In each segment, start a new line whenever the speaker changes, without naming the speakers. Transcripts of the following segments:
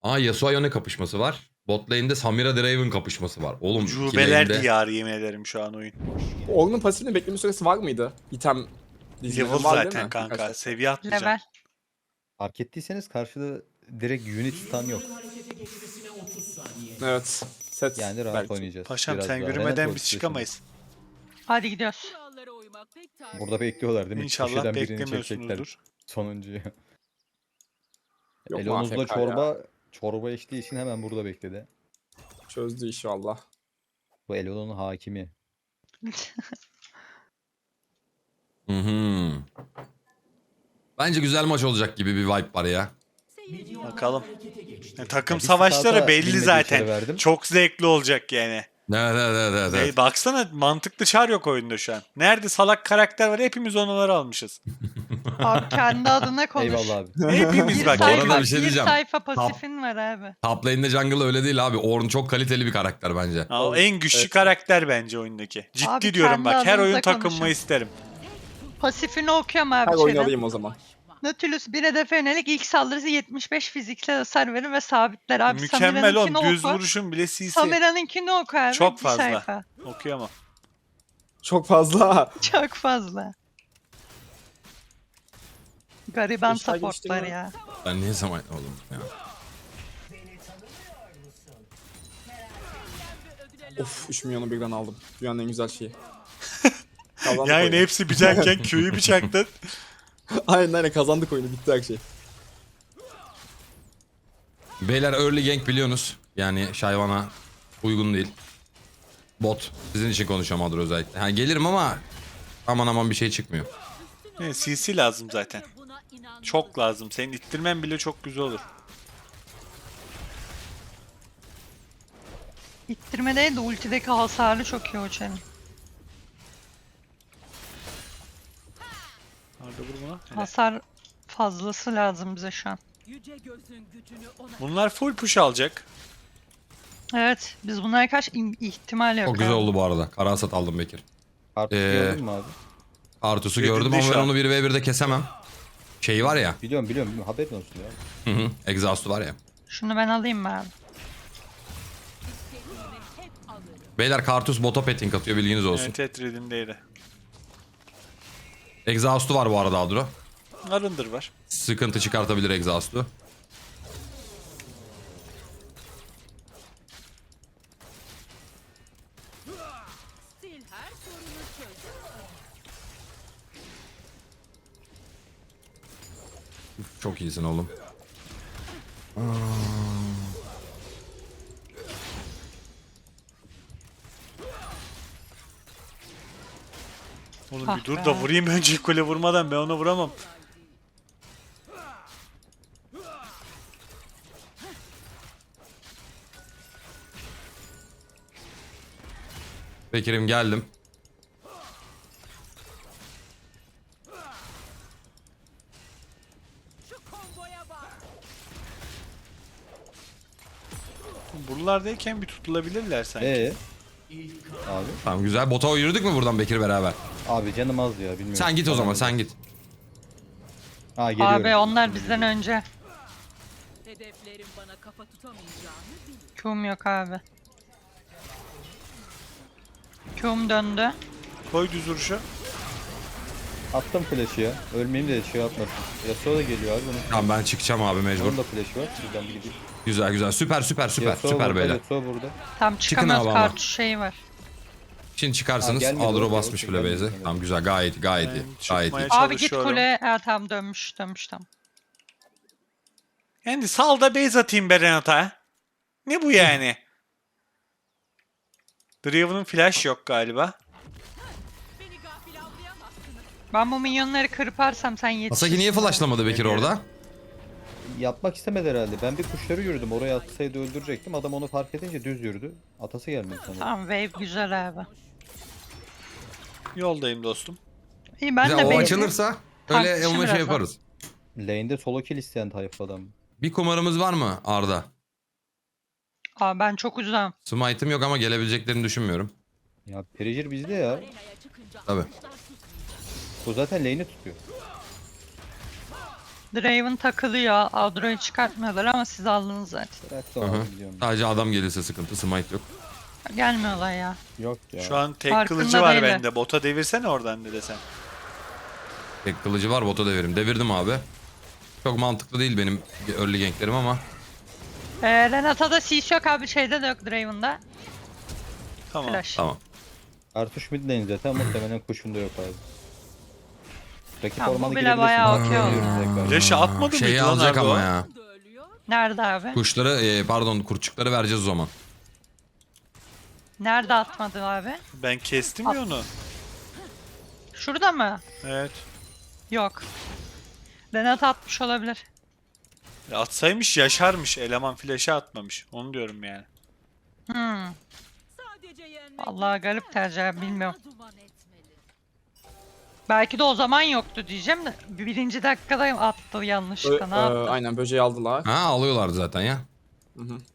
Aa, Yasuo Yone kapışması var. Bot lane'de Samira Draven kapışması var. Oğlum iki
Ucubeler
lane'de...
diyarı yemin ederim şu an oyun.
Ornn'un pasifinin bekleme süresi var mıydı? İtem dizileri
Level
var değil
zaten
mi?
kanka.
Birkaç
Seviye atlayacaksın.
Level.
Fark ettiyseniz karşıda direkt unit stun yok.
Evet. Set
Yani rahat
belki.
oynayacağız.
Paşam
Biraz
sen
daha.
yürümeden
Renat
biz
ultisi
çıkamayız.
Hadi gidiyoruz.
şimdi. Burada bekliyorlar değil mi?
İnşallah
Köşeden birini çekecekler.
beklemiyorsunuzdur.
Sonuncuyu.
Yok mu
Elonuz'da
AFK ya?
çorba içtiği için hemen burada bekledi.
Çözdü işi valla.
Bu Elon'un hakimi.
Hı hı. Bence güzel maç olacak gibi bir vibe var ya.
Bakalım. Takım
Ya bir
savaşları
starta
belli
bilmediği
zaten.
işleri verdim.
Çok zevkli olacak yani.
Evet.
Baksana mantıklı çar yok oyunda şu an. Nerede salak karakter var hepimiz onları almışız.
Abi kendi adına konuş.
Eyvallah abi.
Hepimiz
Bir
bak.
Bu arada
sayfa,
bir şey
bir
diyeceğim.
sayfa pasifin var abi.
Top lane'de jungle öyle değil abi. Ornn çok kaliteli bir karakter bence.
O en güçlü
Evet.
karakter bence oyundaki. Ciddi
Abi
diyorum
kendi
bak. Her oyun
adınıza
takımımı
konuşun.
isterim.
Pasifini okuyorum abi
Her oyunu
şeyden.
alayım o zaman.
Nautilus bir hedefe yönelik ilk saldırısı 75 fiziksel hasar verir ve sabitler abi.
Mükemmel oğlum.
Samira'nınkini
Düz
oku.
vuruşun bile CC.
Samira'nınkini oku abi.
Çok
bir
fazla.
sayfa.
Okuyamam.
Çok fazla.
Çok fazla. Gariban
İşler
supportlar
geliştirme.
ya.
Ben niye zaman oğlum ya.
Of 3 milyonu birden aldım. Dünyanın en güzel şeyi. Kazandık
Yani
oyunu.
hepsi biçerken köyü bıçaktın.
Aynen kazandık oyunu. Bitti her şey.
Beyler early gank biliyorsunuz. Yani Shyvana uygun değil. Bot. Sizin için konuşuyorum Adro özellikle. Ha, gelirim ama aman bir şey çıkmıyor.
Evet, CC lazım zaten. Çok lazım. Senin ittirmen bile çok güzel olur.
İttirme değil de ultideki hasarı çok iyi o çenin.
Arda vur buna. Hele.
Hasar fazlası lazım bize şu an.
Bunlar full push alacak.
Evet, biz bunlara karşı ihtimal yok.
Çok güzel
abi.
oldu bu arada. Kara hasat aldım Bekir.
Artık gördün mü abi?
Artus'u
Yedinde
gördüm ama
şu
ben
an.
onu 1v1'de kesemem. Şey var ya.
Biliyorum. Haberin olsun ya.
Exhaust'u var ya.
Şunu ben alayım mı abi?
Beyler Kartus bota petting atıyor bilginiz olsun.
Evet, Red'indeydi.
Exhaust'u var bu arada Adro.
Arındır var.
Sıkıntı çıkartabilir Exhaust'u. Çok iyisin oğlum.
Oğlum
Ah
bir dur
be.
da vurayım önce kule vurmadan ben onu vuramam.
Bekir'im geldim.
Buralardayken bir tutulabilirler sanki.
Abi.
Tamam güzel. Bota yürüdük mü buradan Bekir beraber?
Abi canım az ya bilmiyorum.
Sen git o zaman sen git.
Ha geliyorum.
Abi onlar bizden önce.
Hedeflerim bana kafa tutamayacağını bil.
Q'um yok abi. Q'um döndü.
Koy düz vuruşu.
Attım flash'ı ya. Ölmeyeyim de şey yapmasın. Yasuo da geliyor abi.
Tamam ben çıkacağım abi mecbur.
Onun da flash'ı var. Şuradan bir gideyim.
Güzel. Süper
Yasuo
süper
burada,
beyler.
Yasuo burada.
Tam çıkamıyoruz,
abi ama.
kartuş şeyi var.
Şimdi çıkarsınız.
gelmedi,
Adro
okey,
basmış
okey,
bile
gelmedi,
base'e.
gelmedi.
Tamam güzel gayet iyi.
Ben
Gayet iyi.
çıkmaya
Abi git
çalışıyorum.
kule. Ha tamam dönmüş tamam.
Yani sal da base atayım be Renata. Ne bu yani? Draven'ın flash yok galiba.
Beni gafil avlayamazsınız.
Ben bu minyonları kırparsam sen yetişirsin.
Asaki niye flashlamadı Bekir orada?
Yapmak istemedi herhalde. Ben bir kuşları yürüdüm. Oraya atsaydı öldürecektim. Adam onu fark edince düz yürüdü. Atası gelmedi sanırım.
Tamam wave güzel abi.
Yoldayım dostum.
İyi ben
Güzel,
de
o
base'i
açılırsa
Tankçı
öyle onunla şey
birazdan.
yaparız.
Lane'de solo kill isteyen tayfa adam.
Bir kumarımız var mı Arda?
Aa ben çok uzağım.
Smite'ım yok ama gelebileceklerini düşünmüyorum.
Ya Perigir bizde ya.
Tabii.
Bu zaten lane'i tutuyor.
Draven takılıyor. Adro'yu çıkartmıyorlar ama siz aldınız zaten.
Bırak da
Hı hı.
onu biliyorum.
Sadece adam gelirse sıkıntı. Smite yok.
Gelmiyorlar ya.
Yok ya.
Şu an tek
Farkında
kılıcı var
değiller.
bende. Bota devirsene oradan dede sen.
Tek kılıcı var, bota devirim. Devirdim abi. Çok mantıklı değil benim early ganklerim ama.
Renata'da CC yok abi. Şeyde de yok Draven'da.
Tamam.
Flash.
Tamam.
Artuş midlane zaten muhtemelen kuşunda yok abi. Rakip
Ha, bu
ormana
bile
girebilirsin.
bayağı
Bak,
okey oldu.
geliyoruz tekrar.
Flash'ı atmadı
Şeyi
mıydı lan
alacak
Argo?
ama ya.
Da ölüyor.
Nerede abi?
Kuşları, pardon kurtçukları vereceğiz o zaman.
Nerede atmadı abi?
Ben kestim ya onu.
Şurada mı?
Evet.
Yok. Renata atmış olabilir.
Atsaymış yaşarmış. Eleman flash'ı atmamış. Onu diyorum yani.
Hmm.
Sadece yenmek
Allah garip tercih bilmiyorum.
duman etmeli.
Belki de o zaman yoktu diyeceğim de birinci dakikada attı yanlışlıkla ne yaptı?
Aynen böceği aldılar.
Ha alıyorlardı zaten ya.
Hı hı.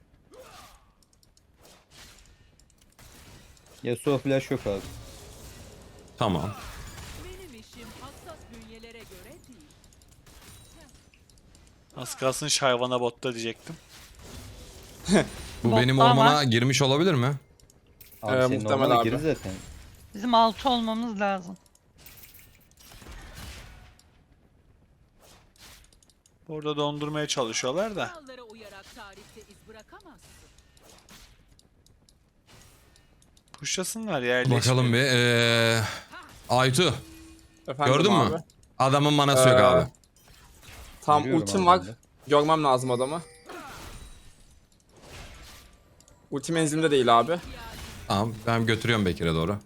Yasuo flash yok abi.
Tamam.
Benim işim hassas bünyelere göre değil.
Az kalsın Shyvana botta diyecektim.
Bu
Botta
benim
ama-
ormana girmiş olabilir mi?
Abi senin
muhtemel
ormana
abi.
girir zaten.
Bizim 6 olmamız lazım.
Orada dondurmaya çalışıyorlar da.
Kurallara uyarak tarihte iz bırakamazsın.
Pushlasınlar ya.
Bakalım bir. Aytu.
Efendim
Gördün
abi.
mü? Adamın manası yok
Ee,
abi.
Tam
Görüyorum
ultim
abi
var.
ben de.
Görmem lazım adamı. Ulti menzilimde değil abi.
Tamam ben götürüyorum Bekir'e doğru.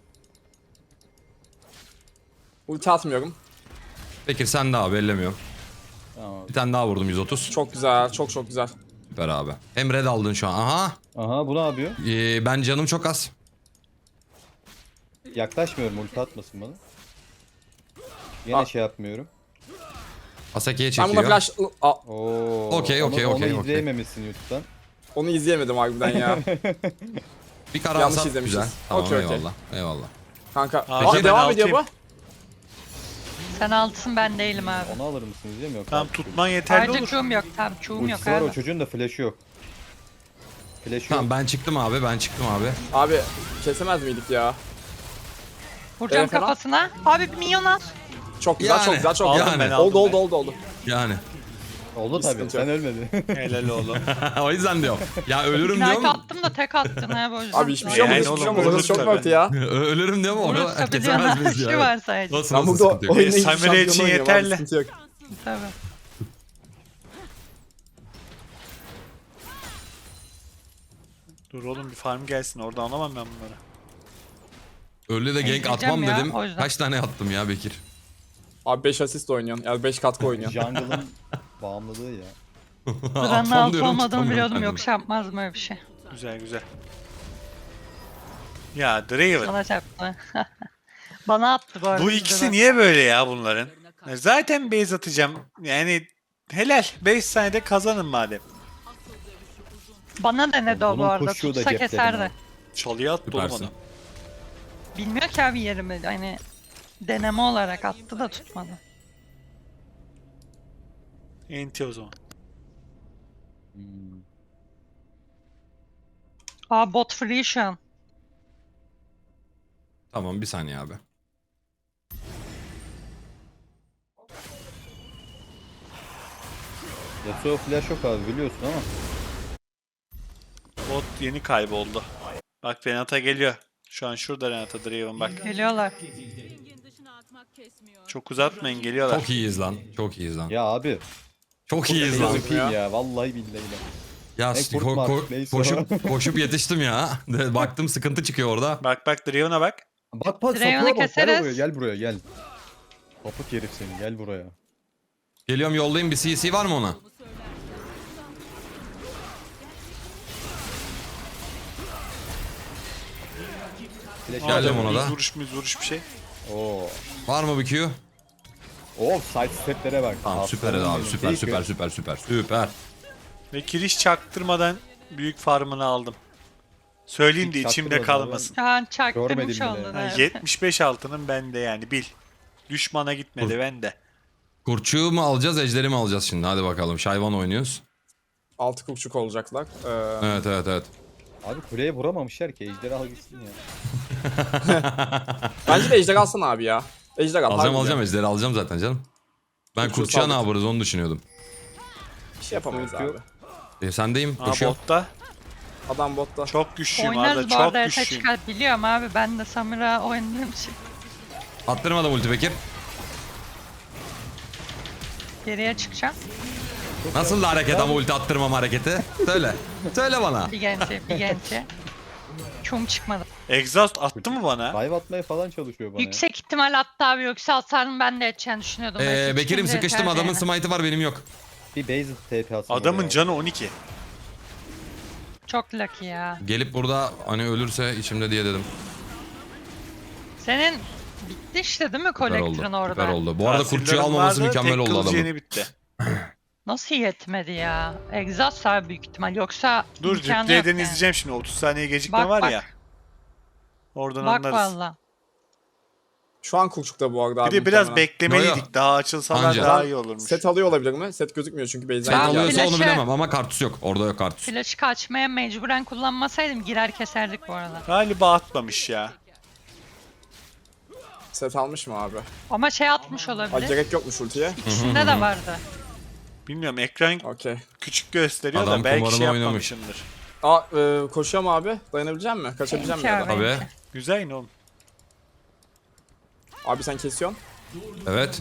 Ulti atmıyorum.
Bekir sen de abi ellemiyorum.
Tamam.
Bir tane daha vurdum 130.
Çok güzel, çok çok güzel.
Süper abi. Hem red aldın şu an. Aha.
Aha bu ne yapıyor?
Ben canım çok az.
Yaklaşmıyorum ulti atmasın bana. Yine
Ah.
şey yapmıyorum.
Asaki'ye
Ben buna
çekiyor.
flash...
Oo.
Okey, okey,
onu
okey, okey.
izleyememişsin YouTube'dan.
Onu izleyemedim harbiden ya.
Bir kara
Yanlış
alsam
izlemişiz.
güzel. Tamam
Okey, okey.
eyvallah. Eyvallah.
Kanka.
Abi
Aa,
ben
devam ediyor bu.
altıyım.
Sen altsın ben değilim abi.
Onu alır mısın izlemiyor.
Tamam tutman yeterli
Ayrıca
olur.
Q'um yok. Tamam Q'um yok
Ultisi var
abi.
o çocuğun da flash'ı yok. Flash'ı
Tamam
yok.
ben çıktım abi. Ben çıktım abi.
Abi kesemez miydik ya?
Vuracağım
fena.
kafasına. Abi bir minyon al.
Çok güzel,
Yani,
çok güzel, çok
aldım
güzel.
ben,
aldım
Oldu,
ben.
oldu, oldu, oldu.
Yani.
Oldu tabii
sıkıntı
sen
yok.
ölmedin.
Helal oğlum.
O yüzden diyorum. Ya ölürüm
Knight
diyorum.
attım da tek attın ha bu yüzden.
Abi hiçbir şey
Yani
olmaz, hiçbir şey
oğlum,
olmaz. Orası
vururuz
çok
tabii.
mörtü ya.
Ölürüm diyorum ama
Vurursa
onu
bir
kesemez miyiz
şey
ya?
var sadece.
Nasıl
Ben
nasıl
burada
sıkıntı yok.
oyunda hiçbir
Samira için
şampiyon oynuyorum abi,
yeterli.
sıkıntı yok.
Tabii.
Dur oğlum bir farm gelsin. Orada alamam ben bunları.
Öyle de gank
Ezeceğim
atmam
ya,
dedim.
o yüzden.
Kaç tane attım ya Bekir?
Abi 5 asist oynuyorsun, yani 5 katkı oynuyorsun.
Jungle'ın bağımlılığı ya.
Buranın
Atmam
altı
diyorum,
olmadığını
tutamıyorum
biliyordum
kendimi.
yoksa yapmazdım öyle bir şey.
Güzel güzel. Ya Draven.
Sana çarptı. Bana attı bu arada.
Bu
bizde
ikisi
de.
niye böyle ya bunların? Zaten base atacağım. Yani helal. 5 saniyede kazanın madem.
Bana denedi o bu
Bunun
arada.
kuşu da
Tutsa
cepte
keserdi.
benim.
Çalıya attı oğlum
Süpersin.
onu.
Bilmiyor ki abi yerimi. Hani deneme olarak attı da tutmadı.
Enti o zaman.
Hmm.
Aa bot free şu an.
Tamam bir saniye abi.
Yasuo flash yok abi biliyorsun ama.
Bot yeni kayboldu. Bak Renata geliyor. Şu an şurada Renata Draven bak.
Geliyorlar.
Ringin dışına atmak kesmiyor.
Çok uzatmayın geliyorlar.
Çok iyiyiz lan. Çok iyiyiz lan.
Ya abi.
Çok iyiyiz lan.
MVP ya. Vallahi billahi.
Ya
Ne kurt mu artık, neyse o.
koşup yetiştim ya. Baktım sıkıntı çıkıyor orada.
Bak Draven'a bak.
Bak
Draven'ı
sapığa bak. Gel
keseriz.
buraya gel buraya gel. Sapık herif seni gel buraya.
Geliyorum yollayayım bir CC var mı ona?
Flash
Geldim
aldım.
ona da.
Vuruş bir şey.
Oo.
Var mı bir Q?
Oo side steplere bak.
Tamam süper
Aslanım
abi
benim.
süper
Değil
süper
ki.
süper süper süper.
Ve kiriş çaktırmadan büyük farmını aldım. Söyleyeyim de
Hiç
içimde
çaktırmadım
kalmasın.
Şu an çaktırmış
Görmedim bile.
oldu.
Ha,
Evet.
75 altının bende yani bil. Düşmana gitmedi bende.
Kurtçuğu mu alacağız, ejderi mi alacağız şimdi? Hadi bakalım. Şayvan oynuyoruz.
6 kurçuk olacaklar.
Evet.
Abi kuleye vuramamışlar ki. Ejderi al gitsin ya.
Bence de ejder alsana abi ya. Ejder al.
Alacağım
harbiden.
ejderi alacağım zaten canım. Ben
Kurtçuğu
kurtçuğa ne
saldık.
yaparız onu düşünüyordum.
Bir şey yapamayız
Sıkıntı
abi.
yok.
Sendeyim.
Aa,
Koşuyorum.
botta.
Adam botta.
Çok güçlüyüm
Oynarız
Arda,
bu arada
çok
ESA
güçlüyüm.
çıkar. Biliyorum abi ben de Samira oynadığım için.
Attırmadım ulti Bekir.
Geriye çıkacağım.
Nasıl da hareket ama ulti attırmam hareketi? Söyle. Söyle bana.
Bir genci. Çum çıkmadı.
Exhaust attı mı bana?
Dive atmaya falan çalışıyor bana ya.
Yüksek ihtimal attı abi yoksa hasarını ben de edeceğini düşünüyordum. Belki
Bekir'im
çıkınca
sıkıştım,
yeterdi
adamın
yani.
smite'ı var benim yok.
Bir base TP atsın.
Adamın
oraya.
canı 12.
Çok lucky ya.
Gelip burada hani ölürse içimde diye dedim.
Senin bitti işte değil mi
Süper oldu.
kolektörün orada?
Süper oldu. Bu arada
Tahsillerim
kurtçuyu almaması
vardı,
mükemmel
tek
oldu
kılıcı
adamın.
yeni bitti.
Nasıl yetmedi ya? Exhaust abi büyük ihtimal yoksa
Dur
imkanı yok
replay'den
yani.
izleyeceğim şimdi. 30 saniye gecikme
Bak,
var
bak.
ya. Oradan
Bak
anlarız.
valla.
Şu an kurçukta bu arada abi.
Bir de biraz
muhtemelen.
beklemeliydik.
Yo, yo.
Daha açılsalar
Anca.
daha iyi olurmuş.
Set alıyor olabilir mi? Set gözükmüyor çünkü
Sen
base'den
Ben
geldi.
alıyorsa onu
flash'e-
bilemem ama kartus yok. Orada yok kartus.
Flash'ı kaçmaya mecburen kullanmasaydım girer keserdik bu arada.
Galiba atmamış ya.
Set almış mı abi?
Ama şey atmış
Ay,
olabilir.
gerek yokmuş ultiye.
İkisinde de vardı.
Bilmiyorum ekran
Okey.
küçük gösteriyor
Adam
da belki
kumarını
şey
oynamış.
yapmamışımdır.
Koşuyor mu abi? Dayanabilecek misin? Kaçabilecek misin?
Benimki abi,
ya da?
Tabii.
benimki.
Güzel yine oğlum.
Abi sen kesiyorsun.
Evet.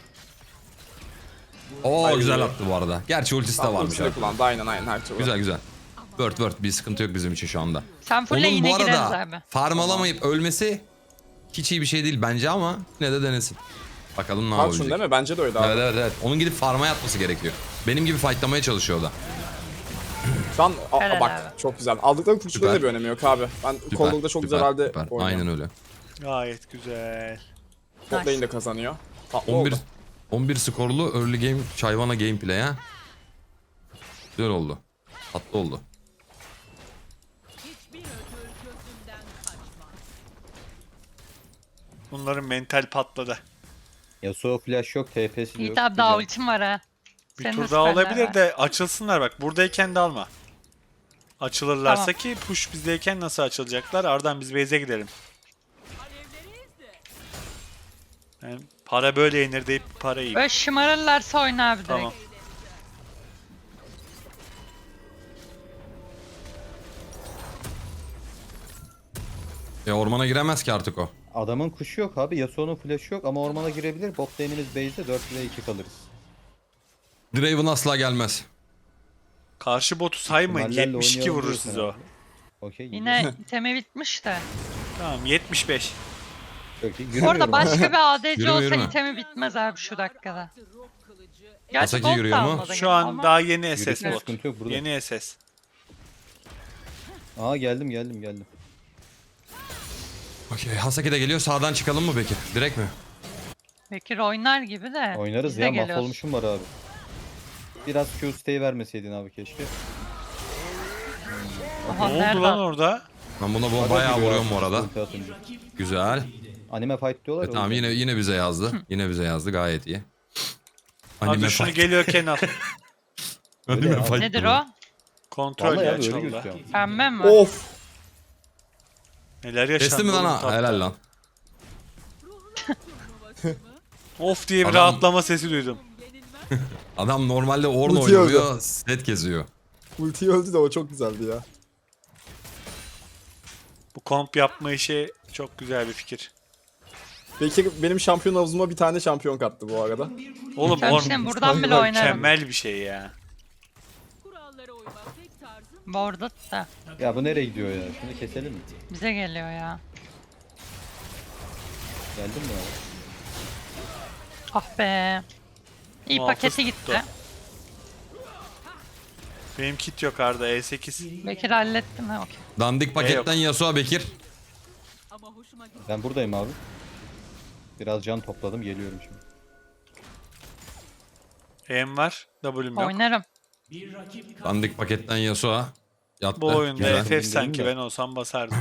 Oo
Ay.
güzel attı bu arada. Gerçi ultisi de varmış
Ultisini
abi.
kullandı aynen her türlü.
Güzel. Word bir sıkıntı yok bizim için şu anda.
Sen fulle
Onun
yine
bu
gireriz
arada
abi.
farm alamayıp ölmesi hiç iyi bir şey değil bence ama yine de denesin. Bakalım ne
Karşun
yapabilecek.
değil mi? Bence de öyle abi.
Evet. Onun gidip farm'a yatması gerekiyor. Benim gibi fightlamaya çalışıyor o da.
Şu an
Helal
bak
abi.
çok güzel. Aldıkları kurçukların da
Süper.
bir önemi yok abi. Ben Cold'da çok güzel halde oynuyorum.
Aynen öyle.
Gayet güzel.
Bot lane de kazanıyor. Tatlı
11
oldu.
11 skorlu early game Şayvana gameplay ha. Güzel oldu. Tatlı oldu.
Hiçbir ödül gözümden kaçmaz.
Bunların mental patladı.
Yasuo flash yok, TP'si de yok.
Yiğit abi daha
Güzel.
ultim var ha.
Bir
Senin
tur
de
daha
süperler
olabilir
var.
de açılsınlar bak. Buradayken de alma. Açılırlarsa
Tamam.
ki push bizdeyken nasıl açılacaklar? Arda'dan biz base'e gidelim. Yani para böyle yenir deyip para yiyeyim.
Böyle şımarırlarsa oyna abi direkt.
Tamam.
Ormana giremez ki artık o.
Adamın kuşu yok abi. Yasuo'nun flash'ı yok ama ormana girebilir. Bot lane'imiz base'de 4 ve 2 kalırız.
Draven asla gelmez.
Karşı botu saymayın.
İhtimallerle
72
oynayalım
vurur
diyorsun
size o.
abi. Okey.
Yine itemi bitmiş de.
Tamam 75.
Çok iyi.
Bu
Yürümüyorum
arada
abi.
başka bir ADC
Yürüme,
olsa
yürüme.
itemi bitmez abi şu dakikada. Gerçi
Asaki
gold da
yürüyor mu?
almadın
Şu an
ama
daha yeni SS
Yürüsün,
bot.
sıkıntı yok burada.
Yeni SS.
Aa geldim.
Okey. Hasaki de geliyor. Sağdan çıkalım mı Bekir? Direkt mi?
Bekir oynar gibi de.
Oynarız
biz de
ya,
geliyoruz.
mahvolmuşum var abi. Biraz Q stay vermeseydin abi keşke.
Aha,
Ne
nerede
oldu lan
attı?
orada?
Ben buna
Arada
bayağı
giriyor
vuruyorum
abi,
bu arada.
ulti atınca.
Güzel.
Anime fight diyorlar ya.
Tamam
o yüzden.
yine bize yazdı. Yine bize yazdı gayet iyi.
Hadi şunu geliyorken al.
Öyle ya.
fight.
Nedir o?
Kontrol
Vallahi
ya
abi öyle
çalda.
gözüküyor.
Pembe mi?
Of.
Neler yaşandı?
Kesti mi lan
oğlum
ha?
tatlı.
Helal lan.
Of diye bir
Adam-
rahatlama sesi duydum.
Adam normalde Ornn
Ulti
oynuyor. Set geziyor.
Ultiyi öldü de o çok güzeldi ya.
Bu komp yapma işi çok güzel bir fikir.
Bekir benim şampiyon havuzuma bir tane şampiyon kattı bu arada.
Oğlum
Sen şimdi buradan bile oynarım.
mükemmel bir şey ya.
Kurallara uymak tek tarzım.
Borda da
Ya bu nereye gidiyor ya? Şunu keselim mi?
bize geliyor ya.
Geldin mi abi?
Ah be. İyi
Muhafız
paketi
tuttu.
gitti.
Benim kit yok Arda E8.
Bekir hallettim ha okey.
Dandik paketten Yasuo Bekir.
Ama hoşuma gitti.
Ben buradayım abi. Biraz can topladım, geliyorum şimdi.
E'm var. W'm yok.
Oynarım.
Dandik paketten Yasuo. Yattı.
Bu oyunda
Güzel.
FF
Bilmiyorum
sanki
da.
ben olsam basardım.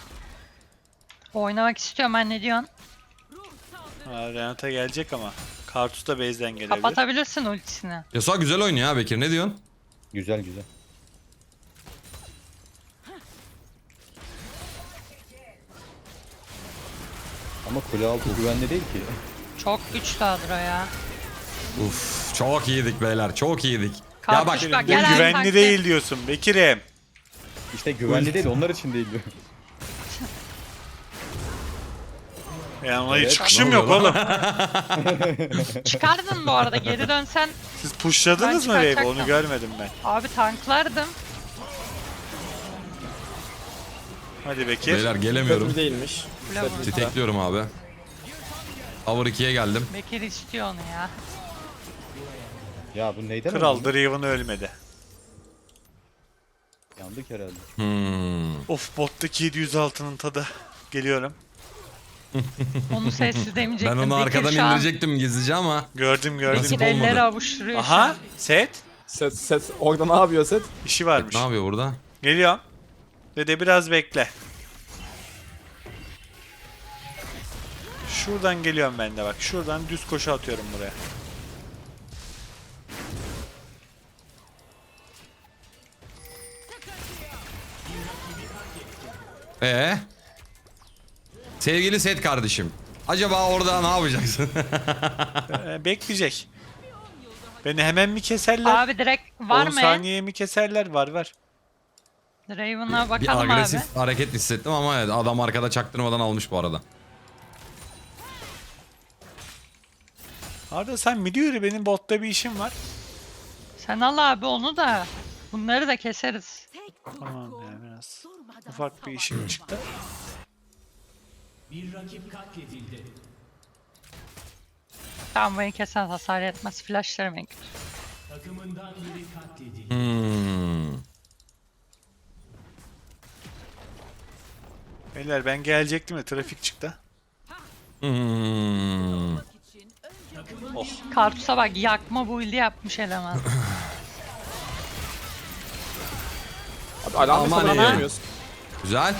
Oynamak istiyorum ben ne diyorsun?
Ha, Renata gelecek ama. Kartus da base'den gelebilir.
Kapatabilirsin ultisini.
Yasuo güzel oynuyor ha Bekir, ne diyorsun?
Güzel güzel. Ama kule altı güvenli değil ki.
Çok güçlü Adro ya.
Uf, çok iyiydik beyler, çok iyiydik.
Kartuş
Ya bak,
bak,
Bu
gel
güvenli
taktik.
değil diyorsun Bekir'im.
İşte güvenli değil, onlar için değil diyor.
Yani ona hiç
Evet.
çıkışım
Ne
yok
oluyor
oğlum.
Çıkardın bu arada, geri dönsen
Siz pushladınız
Ben
mı Wave'i?
çıkartacaktım.
Onu görmedim ben.
abi tanklardım.
Hadi Bekir.
beyler
Kötü
gelemiyorum.
bir değilmiş.
Kule
Set
vurdu.
bitti.
Tekliyorum abi. Tower 2'ye geldim.
Bekir istiyor onu ya.
Ya bu neyden
Kral
öldü?
Draven ölmedi.
Yandık herhalde.
Of bottaki 706'nın tadı. Geliyorum.
Onu sessiz demeyecektim.
Ben onu
Bekir
arkadan
şu an
indirecektim gizlice ama
Gördüm
Nasip
Bekir
olmadı.
elleri avuşturuyor şu
Aha
an.
set.
Set orada ne yapıyor set?
İşi varmış.
ne yapıyor burada?
Geliyorum. Dede biraz bekle. Şuradan geliyorum ben de bak. Şuradan düz koşu atıyorum buraya.
Sevgili Set kardeşim. Acaba orada ne yapacaksın?
Bekleyecek. Beni hemen mi keserler?
Abi direkt var
10
mı?
saniyeye mi keserler? Var.
Draven'a
Bir
bakalım abi.
agresif hareket hissettim ama evet, adam arkada çaktırmadan almış bu arada.
Arda sen mi diyor benim botta bir işim var.
Sen al abi onu da. Bunları da keseriz.
Tamam ya biraz. Ufak bir işim çıktı.
Tamam, beni kesen hasar etmez. Flashlarım en kötü.
Beyler ben gelecektim de trafik çıktı.
Kartus'a bak, yakma build'i yapmış eleman.
Abi alarmı
Aman
falan
iyi.
vermiyorsun.
Güzel.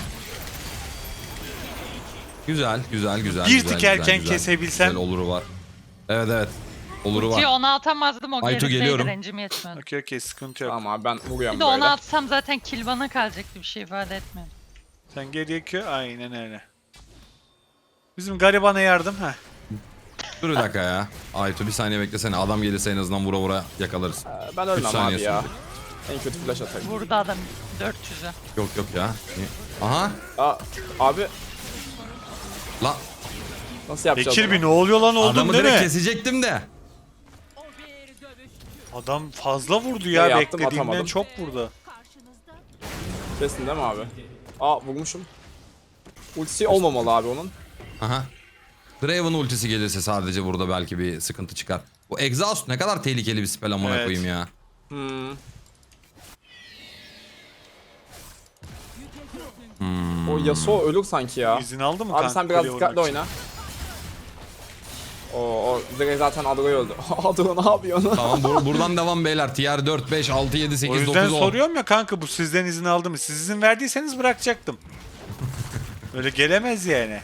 Güzel.
Bir
güzel,
tık erken
güzel.
kesebilsem.
Güzel oluru var. Evet. Oluru
Ki
var.
onu atamazdım, o
Aytu,
gerideydi,
geliyorum.
rencim yetmiyordu.
Okey sıkıntı yok.
Tamam abi ben vuruyorum
Bir de
böyle.
onu atsam zaten kill bana kalacaktı, bir şey ifade etmiyor.
Sen geriye kö aynen öyle. Bizim garibana yardım ha.
Dur bir dakika ya. Aytu bir saniye beklesene. Adam gelirse en azından vura vura yakalarız.
Ben
3
ölmem
saniye
abi ya.
sürecek.
En kötü flash atarım.
Vurdu adam 400'ü.
Yok ya. Aha.
Abi
La
nasıl yapacağız
Bekir
bunu?
bir ne oluyor lan oldun
adamı
değil
direkt
mi?
kesecektim de.
Adam fazla vurdu ya
yaptım,
beklediğimden
atamadım.
çok vurdu.
Kesin değil mi abi? Vurmuşum. Ultisi olmamalı abi onun.
Aha. Draven ultisi gelirse sadece burada belki bir sıkıntı çıkar. Bu Exhaust ne kadar tehlikeli bir spell amına
Evet.
koyayım ya.
O Yasuo ölür sanki ya.
İzin aldı mı
Abi
kanka?
sen biraz
kuleye
dikkatli
vurmak için?
oyna. O direkt zaten Adro'yu öldü. Adro ne yapıyor?
Tamam buradan devam beyler. Tier 4, 5, 6, 7, 8,
O
9, 10.
yüzden soruyorum ya kanka bu sizden izin aldı mı? Siz izin verdiyseniz bırakacaktım. Öyle gelemez yani.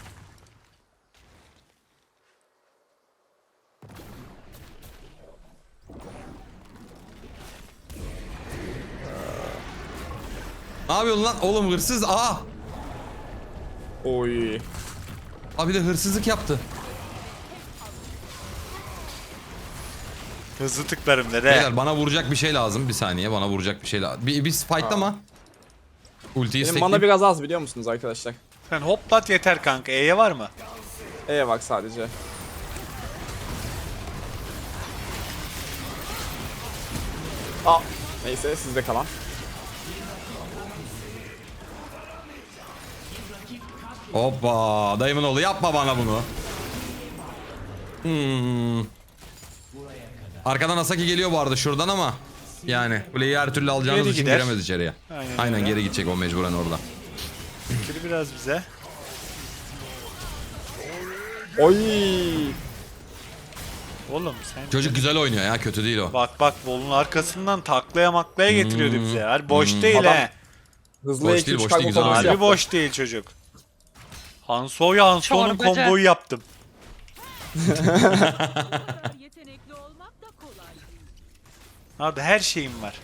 Ne yapıyorsun lan? Oğlum hırsız.
Oy.
Abi de hırsızlık yaptı.
Hızlı tıklarım dede.
Beyler bana vuracak bir şey lazım. Bir saniye bana vuracak bir şey lazım. Bir fightlama. Ultiyi
Benim mana
stacklayayım.
biraz az biliyor musunuz arkadaşlar?
Sen hoplat yeter kanka. E'ye var mı?
Bak sadece. Neyse sizde kalan.
Hoppa. Dayımın oğlu yapma bana bunu. Arkadan Asaki geliyor bu arada şuradan ama. Yani kuleyi her türlü alacağınız
Geri
için
gider.
giremez içeriye.
Aynen öyle.
Geri gidecek o mecburen orada.
Fikri biraz bize.
Oy.
Oğlum sen...
Çocuk güzel oynuyor ya, kötü değil o.
Bak volun arkasından taklaya maklaya getiriyordu bize. Harbi boş değil
Adam-
he.
Hızlı
Boş
2-3
değil, boş
kargo
değil, güzel
kombası
oynuyor.
Harbi
yaptı.
boş değil çocuk. Hanso'nun
Çorbacı.
komboyu yaptım.
Bu kadar yetenekli olmak da kolay değil.
Abi her şeyim var.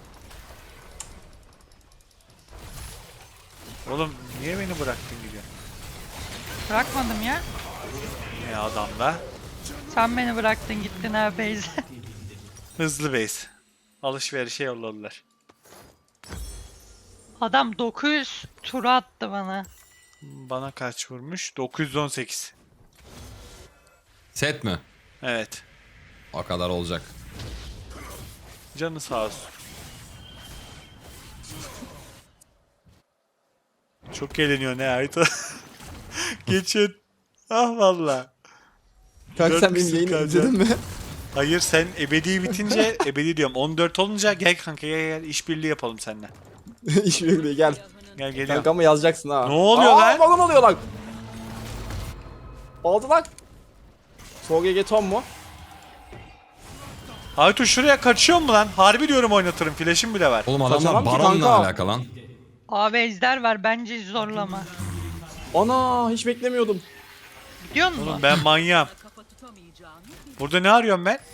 Oğlum niye beni bıraktın gidiyorsun?
Bırakmadım ya.
Ne adamla?
Sen beni bıraktın gittin ha Beyze.
Hızlı base. Alışverişe yolladılar.
Adam 900 tur attı bana.
Bana kaç vurmuş? 918.
Set mi?
Evet.
O kadar olacak.
Canı sağ olsun. Çok eğleniyor ne Ayto. Geçin. Ah valla.
Kanka sen benim
4
yayını
kalacak.
izledin mi?
Hayır sen ebedi bitince ebedi diyorum 14 olunca gel kanka gel işbirliği yapalım seninle.
İş birliği gel.
Gel geliyorum.
Kanka ama yazacaksın ha.
Ne oluyor lan?
Balon oluyor lan. Oldu lan. Sol GG Tom mu?
Aytu şuraya kaçıyor mu lan? Harbi diyorum oynatırım. Flash'im bile var.
Oğlum adamlar
Kaçamam ki
baronla
kanka.
alakalı lan.
Abi ejder var bence zorlama.
Ana hiç beklemiyordum.
Gidiyor musun?
Oğlum ben manyağım.
Kafa tutamayacağını bil.
Burada ne arıyorum ben?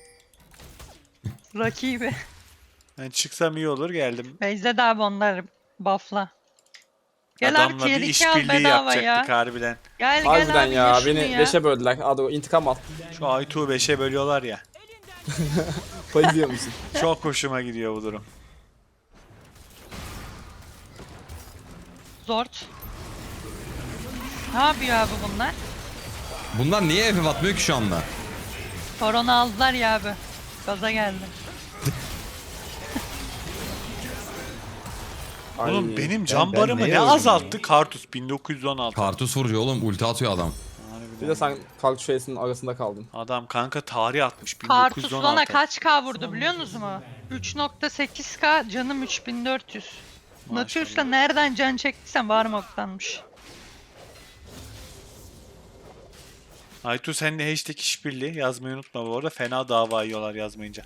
Rakibi.
Ben çıksam iyi olur geldim.
Beyze de abi onları buffla. Gel abi
Adamla
tier
bir
2 al
işbirliği
bedava
yapacaktık
ya.
harbiden.
Gel
Harbiden
abi
ya
ye şunu
beni
ya.
5'e böldüler. Hadi o intikam al.
Şu Aytu'yu 5'e bölüyorlar ya.
Bayılıyor musun?
Çok hoşuma gidiyor bu durum.
Zort. Ne yapıyor abi bunlar?
Bunlar niye FF atmıyor ki şu anda?
Korona aldılar ya abi. Gaza geldi.
Oğlum
Ay,
benim can
ben
barımı
neye
ne
öldüm
azalttı? Kartus 1916.
Kartus vuruyor oğlum. Ulti atıyor adam.
Bir de sen Kalk Face'in arasında kaldın.
Adam kanka tarih atmış
Kartus bana
1916.
kaç K vurdu biliyor musunuz mu? 3.8K canım 3400. Natürs'le nereden can çektiysen Varmok'tanmış.
Aytu sen de hashtag işbirliği yazmayı unutma bu arada. Fena dava yiyorlar yazmayınca.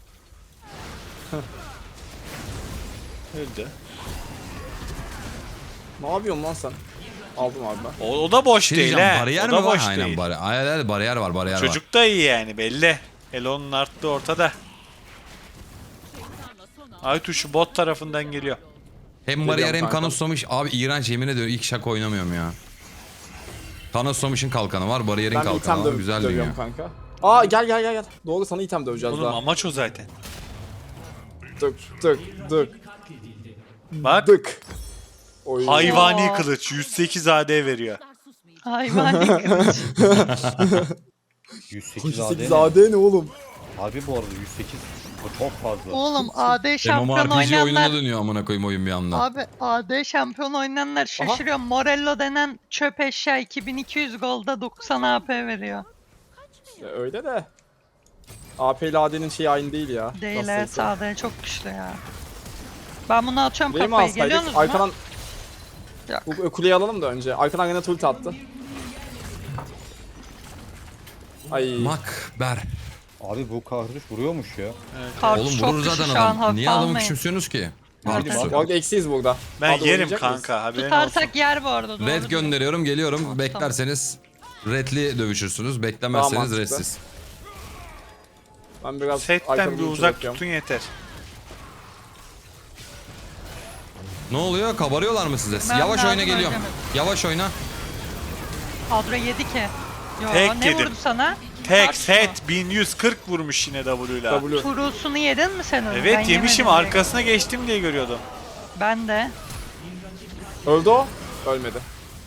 Öldü.
Ne yapıyorsun lan sen? Aldım abi ben.
O da boş
Şey
değil
diyeceğim,
he.
bariyer
O
mi
da
var?
boş
Aynen
değil.
bariyer var, bariyer var.
Çocuk da iyi yani belli. Elon'un arttı ortada. Aytu şu bot tarafından geliyor.
Hem bariyer hem
Geliyorum kanka.
kanoslamış. Abi iğrenç yemin ediyorum ilk şaka oynamıyorum ya. Kanoslamış'ın kalkanı var, bariyerin
Ben bir
kalkanı
item
var. Güzel dünya.
dövüyorum kanka. Aa gel. Doğru sana item döveceğiz
Oğlum
daha.
amaç o zaten.
Dık.
Bak
Dık. Oy.
hayvani
Oo.
kılıç 108 AD veriyor.
Hayvani kılıç.
108
8
AD.
AD ne oğlum?
Harbi bu arada 108 o çok fazla.
Oğlum AD şampiyon
MMORPG oyununa
oynayanlar.
dönüyor amına koyayım oyun bir anda.
Abi AD şampiyon oynayanlar şaşırıyor. Morello denen çöp eşya 2200 golda 90 AP veriyor.
Ya öyle de. AP ile AD'nin şeyi aynı değil ya.
Değil
Nasıl
evet
ise.
AD çok güçlü ya. Ben bunu atıyorum
Değil mi
kafayı geliyor
alsaydık?
musunuz mu?
Arkadan
Yok.
bu kuleyi alalım da önce. Arkadan yine ulti attı. Ay.
Makber.
Abi bu kahrış vuruyormuş ya.
Kartuş
Oğlum
çok
vurur
güçlü
zaten
şu an
adam.
hafife
Niye adamı
almayın.
küçümsüyorsunuz ki?
Hadi
Kartus'u.
bak.
Bak eksiyiz burada.
Ben
Hadi
yerim
oynayacak mıyız?
kanka haberin olsun.
Tutarsak yer bu arada. doğru
Red
diyor.
gönderiyorum, geliyorum. Beklerseniz redli dövüşürsünüz. Beklemezseniz
mantıklı.
redsiz.
Ben biraz
Setten
arkadan
bir
ulti
uzak
bakıyorum.
tutun yeter.
Ne oluyor? Kabarıyorlar mı size?
Ben
Yavaş
daha
oyna geliyorum.
görmedim.
Yavaş oyna.
Kadro yedi ki. Yo,
Tek
ne
yedim.
vurdu sana?
Tek
Kartuş
set 1140 vurmuş yine W'la.
W.
Turusunu yedin mi sen onu? Ben
Evet yemişim
yemedim
arkasına geçtim diye görüyordum.
direkt. Ben de.
Öldü o. Ölmedi.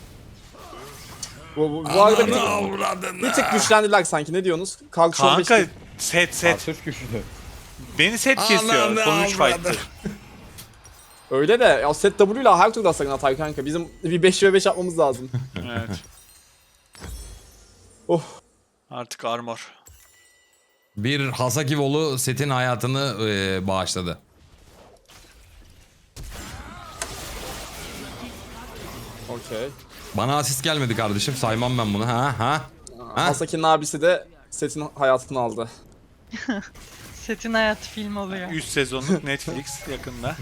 Bu arada bir tık güçlendiler sanki. Ne diyorsunuz? Kalk şu
Kanka
15
set.
Kartuş güçlü.
Beni set kesiyor. Sonuç fight'tır.
Öyle de ya set W ile her turda sakın atar kanka. Bizim bir 5v5 yapmamız lazım.
Evet.
Oh.
Artık armor.
Bir Hasaki Volu setin hayatını bağışladı.
Okey.
Bana asist gelmedi kardeşim. Saymam ben bunu. Ha?
Hasaki'nin abisi de setin hayatını aldı.
Setin hayatı film oluyor.
3 sezonluk Netflix yakında.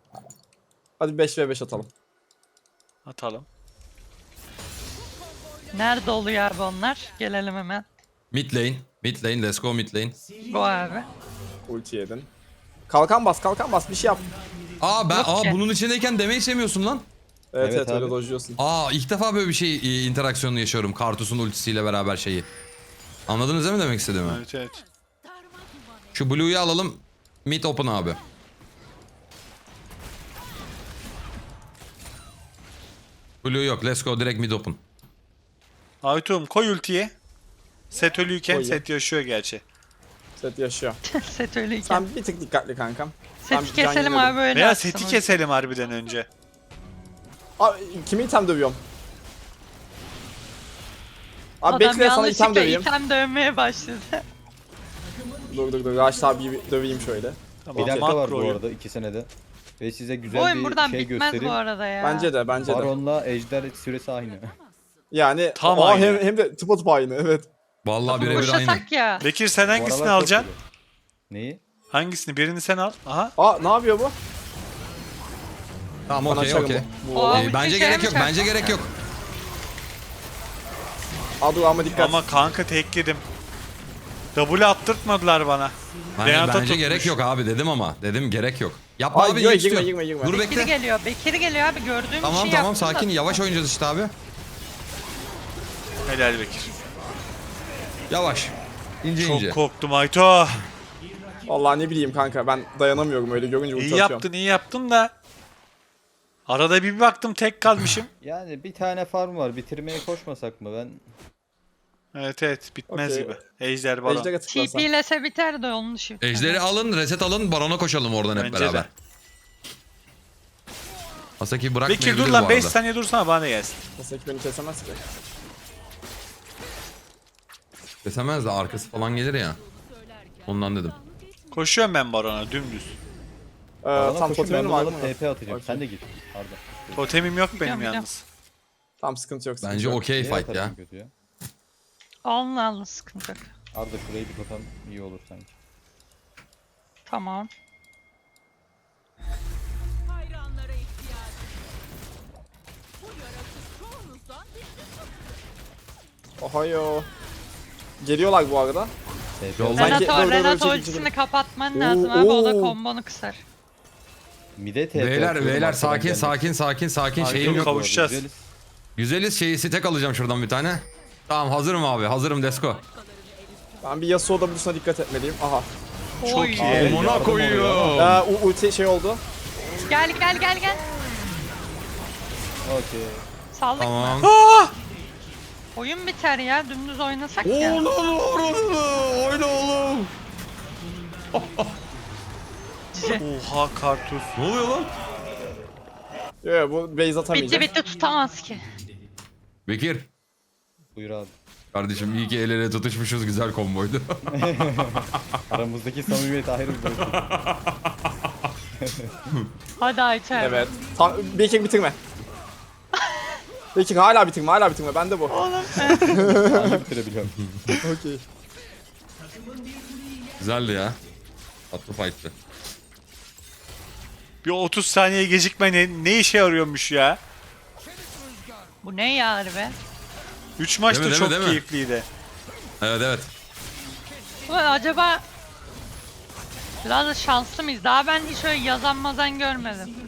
Hadi 5v5 atalım.
Atalım.
Nerede oluyor abi onlar? Gelelim hemen.
Mid lane. Mid lane. Let's go mid lane.
Bu abi.
Ulti yedin. Kalkan bas bir şey yap.
Yok ki.
Bunun içindeyken demeyi sevmiyorsun lan.
Evet
Evet
öyle
abi.
dojluyorsun.
İlk defa böyle bir şey interaksiyonu yaşıyorum. Kartus'un ultisiyle beraber şeyi. Anladınız değil mi demek istediğimi?
Evet evet.
Şu Blue'yu alalım. Mid open abi. Blue yok. Let's go direkt mid open.
Aytuğum koy ultiyi. Set ölüyken
Koyayım.
set yaşıyor gerçi.
Set yaşıyor.
Set öyleyken.
Sen bir tık dikkatli kankam. Ben
Seti
can
keselim
yemedim.
abi öyle
Veya
atsın
seti
o.
keselim harbiden önce.
Abi kimi item dövüyorum? Abi
Adam
bekle sana
yanlışlıkla
item döveyim.
item dövmeye başladı.
Dur. Raşit abi bir döveyim şöyle.
Tamam,
Bir dakika var
makro
bu
oyun.
arada 2 senede. Ve size
Bu
güzel
oyun
bir
buradan
şey
bitmez
göstereyim.
bu arada ya.
Bence de.
Baron'la ejder süresi aynı.
Yani
Tam
aa,
aynı.
hem de tıpa aynı evet.
Vallahi birebir aynı.
Koşasak ya.
Bekir sen
Bu
hangisini
aralar çok
alacaksın?
iyi. Neyi?
Hangisini? Birini sen al. Aha.
Aa ne yapıyor bu?
Tamam
Bana
okey
çarım
okey.
bu.
Aa,
Aa,
ulti
Bence
şeye
gerek
mi
yok.
çarptı?
Bence gerek yok.
dur ama dikkat.
Ama kanka tekledim. W attırtmadılar bana. Renata
Bence
tutmuş.
gerek yok abi dedim ama. Dedim gerek yok. Yapma
Ay,
abi.
girme,
iyi istiyor.
girme.
Dur
Bekir
bekle.
geliyor. Bekir geliyor abi gördüğüm
Tamam
bir şey
tamam
yaptım da-
sakin. Yavaş oynayacağız işte abi.
Helal Bekir.
Yavaş. İnce
Çok
ince.
korktum Ayto.
Vallahi ne bileyim kanka ben dayanamıyorum öyle görünce ulti
İyi
atıyorum.
iyi yaptın da. Arada bir baktım tek kalmışım.
Yani bir tane farm var. Bitirmeye koşmasak mı ben?
Evet bitmez
Okey.
gibi. Ejder baron.
Ejder'e tıklarsan.
TP'lese biter de onun dışı.
Ejderi alın, reset alın, barona koşalım oradan hep
Bence
beraber.
de.
Asaki bırakmayabilir
Bekir dur
bu
lan 5
arada.
saniye dursana bana gelsin.
Mesela beni kesemez ki.
Kesemez de arkası falan gelir ya. Ondan dedim.
Koşuyorum ben barona dümdüz.
Bana
Tam
koşun ben
totemin
bunu
var mı?
alıp TP atacağım.
Okey.
Sen de git. Arda.
Totemim yok benim
Biliyorum,
yalnız.
Tam sıkıntı yok. sıkıntı
Bence
yok.
okey
Niye
fight ya.
atarım kötü ya?
Alın sıkıntı yok.
Arda şurayı bir totem iyi olur sanki.
Tamam.
Hayranlara ihtiyacım. Bu yaratık çoğunuzdan
Ohayo. Geliyorlar bu arada.
TP
Yol-
alayım.
Sanki-
Renato,
dur,
Renato
çekil,
ultisini
çekil.
kapatman lazım abi o da
Oo.
kombonu kısar.
Mide TP
Beyler
atıyorum
beyler
arkadan
sakin
gelmek.
sakin
Ay,
şeyim
dur,
yok.
kavuşacağız.
Güzeliz.
Güzeliz şeyi stek alacağım şuradan bir tane. Tamam hazırım abi hazırım Desko.
Ben bir Yasuo W'suna dikkat etmeliyim. Aha.
Çok
Oy.
iyi.
Amına
yardım
koyuyor.
Ulti şey oldu.
Gel.
Okey.
Saldık
Tamam.
mı? Oyun biter ya dümdüz oynasak ya.
Oyna oğlum.
Oha kartuz.
Ne oluyor lan?
Yo bu base atamayacak.
Bitti tutamaz ki.
Bekir.
Buyur abi.
Kardeşim iyi ki el ele tutuşmuşuz güzel komboydu.
Aramızdaki samimiyet ayrı bir boyut.
Hadi Ayça.
Evet. Bekir bitirme. Bekir hala bitirme. Bende bu.
Anca bitirebiliyorum.
Okey.
Güzeldi ya. Tatlı fight'tı.
Bir 30 saniye gecikme ne işe yarıyormuş ya?
Bu ne ya harbi?
3 maç
Değil mi,
da
değil
çok
mi, değil mi?
keyifliydi.
Evet.
Ulan acaba biraz da şanslı mıyız? Daha ben hiç öyle yazan mazan görmedim.